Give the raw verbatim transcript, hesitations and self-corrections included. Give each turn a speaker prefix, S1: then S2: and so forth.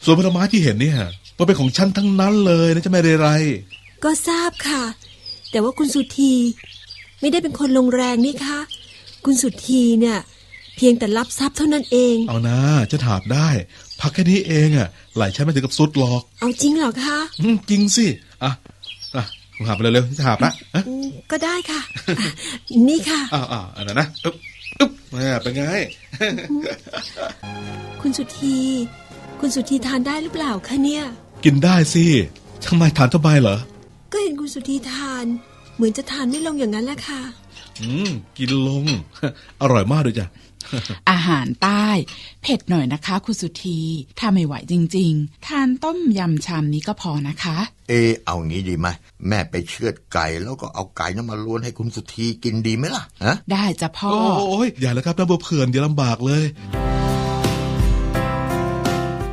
S1: ส่วนผลไม้ที่เห็นเนี่ยมันเป็นของฉันทั้งนั้นเลยนะจะไม่ได้ไร
S2: ก็ทราบค่ะแต่ว่าคุณสุธีไม่ได้เป็นคนลงแรงนี่คะคุณสุธีเนี่ยเพียงแต่รับทรัพย์เท่านั้นเอง
S1: เอานะจะถามได้พักแค่นี้เองอ่ะไหลฉันไม่ถึงกับสุดหรอก
S2: เอาจริงเหรอคะ
S1: อืมจริงสิอ่ะอ่ะหาไปเร็วๆจะถามละ
S2: ก็ได้ค่ะนี่ค่ะ
S1: อ่าอ่าอันนั้นนะอึ๊บอึ๊บเป็นไง
S2: คุณสุธีคุณสุธีทานได้หรือเปล่าคะเนี่ย
S1: กินได้สิทำไมทานทำไมเหรอ
S2: ก็เห็นคุณสุธีทานเหมือนจะทานไม่ลงอย่างนั้นแหละค่ะ
S1: อืมกินลงอร่อยมากด้วยจ้ะ
S3: อาหารใต้เผ็ดหน่อยนะคะคุณสุธีถ้าไม่ไหวจริงๆทานต้มยำชามนี้ก็พอนะคะ
S4: เออเอางี้ดีไหมแม่ไปเชือดไก่แล้วก็เอาไก่นั้นมาล้วนให้คุณสุธีกินดีไหมล่ะฮะ
S3: ได้จ้ะพ่อ
S1: โอ้ยอย่าเลยครับน้าบัวเผื่อนอย่าลำบากเลย